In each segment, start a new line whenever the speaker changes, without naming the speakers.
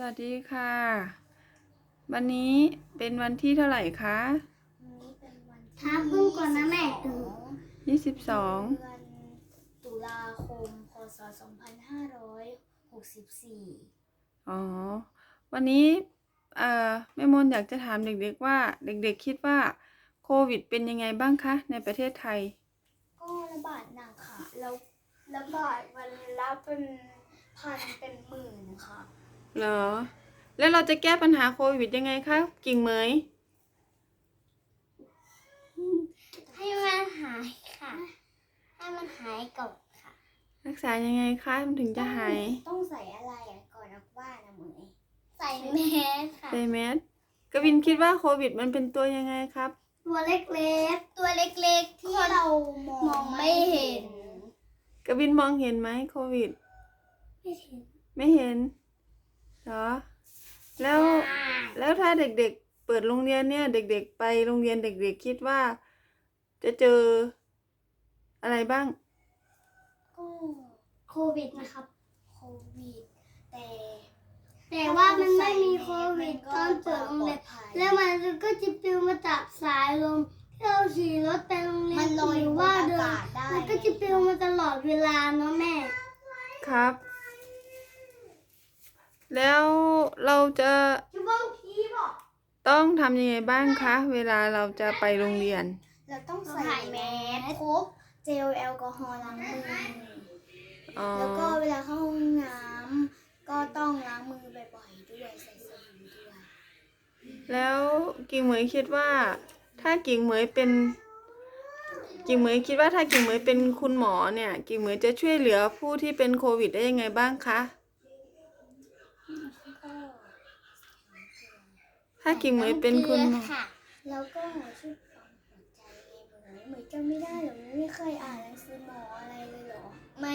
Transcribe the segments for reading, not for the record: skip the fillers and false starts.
วัสดีค่ะวันนี้เป็นวันที่เท่าไหร่คะ
วันนี้เป็นวันที่
ท้าพึ่งก่อนนะแม่
22
เดือนตุลาคมพศ2564
อ๋อวันนี้แม่มนอยากจะถามเด็กๆว่าเด็กๆคิดว่าโควิดเป็นยังไงบ้างคะในประเทศไทย
ก็ระบาดหนักค่ะแล้วระบาดวันละเป็นพันเป็นหมื่นค่ะ
เหรอแล้วเราจะแก้ปัญหาโควิดยังไงคะกิ่งเหมย
ให้มันหายค่ะให้มันหายก่อนค่ะ
รักษายังไงคะมันถึงจะหาย
ต้องใส่อะไรก่อนออกบ้านนะเหมย
ใส่แมสค่ะ
ใส่แมสกวินคิดว่าโควิดมันเป็นตัวยังไงครับ
ตัวเล็กๆตัวเล็กๆที่เรามองไม่เห็น
กวินมองเห็นไหมโควิด
ไม่เห็น
ไม่เห็นเหรอแล้วถ้าเด็กๆเปิดโรงเรียนเนี่ยเด็กๆไปโรงเรียนเด็กๆคิดว่าจะเจออะไรบ้าง
ก็โควิดนะครับ
โควิด
แต่ว่ามันไม่มีโควิดตอนเปิดโรงเรียนแล้วมันก็จะปลิวมาจากสายลมที่เราขี่รถไปโรงเรียนหรือว่าเดินมันก็จะปลิวมาตลอดเวลาเนาะแม่
ครับแล้วเราจะต้องทำยังไงบ้างคะเวลาเราจะไปโรงเรียน
เราต้องใส่แมสพกเจลแอลกอฮอล์ล้างมือแล้วก็เวลาเข้าห้องน้ำก็ต้องล้างมือบ่อยๆด้วยใส่สบู่ด้วย
แล้วกิ่งเหมยคิดว่าถ้ากิ่งเหมยเป็นคุณหมอเนี่ยกิ่งเหมยจะช่วยเหลือผู้ที่เป็นโควิดได้ยังไงบ้างคะถ้ากิ่งเหมยเป็นคุณหมอ
แล้วก็ช่วยปั๊มหัวใจเหมยจำไม่ได้หรอไม่เคยอ่านหนังสือหมออะไรเลยหรอไม่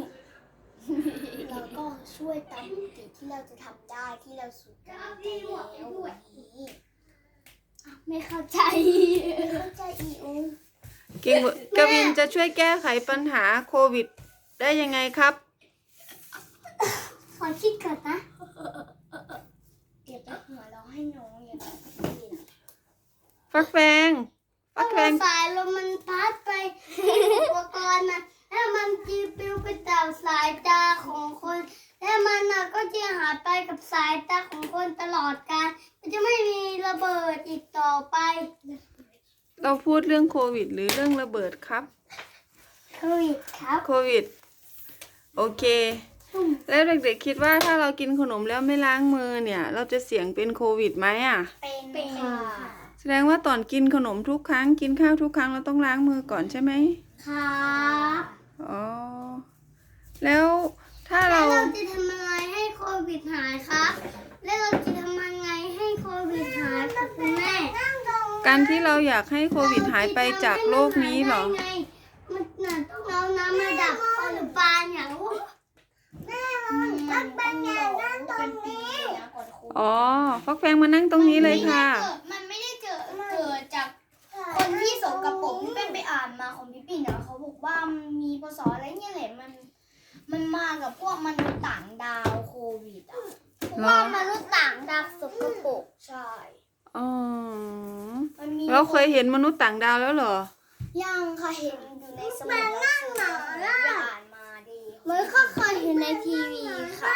แล้วก็ช่วยตามปกติที่เราจะทำได้ที่เราสุดได้แล้ววันนี้ไม่เข้าใจอีอู
กวินจะช่วยแก้ไขปัญหาโควิดได้ยังไงครับ
ขอคิดก่อนนะ
เก็บหัวเราให้น้องอย่างนี้
ฟักแฟง
สายลมมันพัดไปอุปกรณ์นะแล้วมันจีปลิวไปจากสายตาของคนแล้วมันก็จะหายไปกับสายตาของคนตลอดกาลมันจะไม่มีระเบิดอีกต่อไป
เราพูดเรื่องโควิดหรือเรื่องระเบิดครับ
โควิดครับ
โควิดโอเคแล้วเด็กๆคิดว่าถ้าเรากินขนมแล้วไม่ล้างมือเนี่ยเราจะเสี่ยงเป็นโควิดไหมอ่ะ
เป็นค่ะ
แสดงว่าตอนกินขนมทุกครั้งกินข้าวทุกครั้งเราต้องล้างมือก่อนใช่ไหม
ครับ
อ๋อแล้วถ้าเรา
จะทำอะไรให้โควิดหายครับแล้วเราจะทำยังไงให้โควิดหายครับคุณแม่
การที่เราอยากให้โควิดหายไปจากโลกนี้เหรอ
มันต้องเอาน้ำมาดับอนุบาลอย่างแม่มันเป็นไงนั่งตรงนี้
อ๋อฟักแฟงมานั่งตรงนี้เลยค่ะ
มันไม่ได้เกิดจากคนที่สกปรกที่เป็นไปอ่านมาของพี่ปิ่นเขาบอกว่ามีพศอะไรเนี่ยแหละมันมากับพวกมนุษย์ต่างดาวโควิด
พวกมนุษย์ต่างดาวสกปรก
ใช่
อ๋อเราเคยเห็นมนุษย์ต่างดาวแล้วเหรอ
ยังค่ะเห็นอยู่ในสมุดหนังสืออ่านมาดี
เหมือนก็เคยเห็นในทีวีค่ะ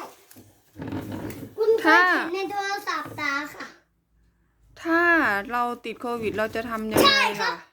คุณเคยเห็นในโทรศัพท์ตาค่ะ
ถ้าเราติดโควิดเราจะทำยังไงล่ะ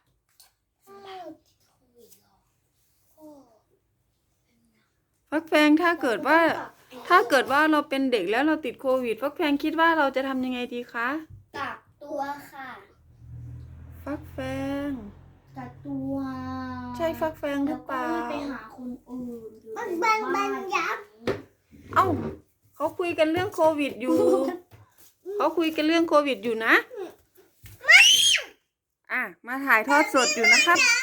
ฟักแฟงถ้าเกิดว่าเราเป็นเด็กแล้วเราติดโควิดฟักแฟงคิดว่าเราจะทำยังไงดีคะ
กักตัวค่ะ
ฟักแฟง
กักตัว
ใช่ฟักแฟงหรือเปล่า
ไปหาคนอื่น
บังยับ
เอ้าเขาคุยกันเรื่องโควิดอยู่นะมาถ่ายทอดสดอยู่นะครับ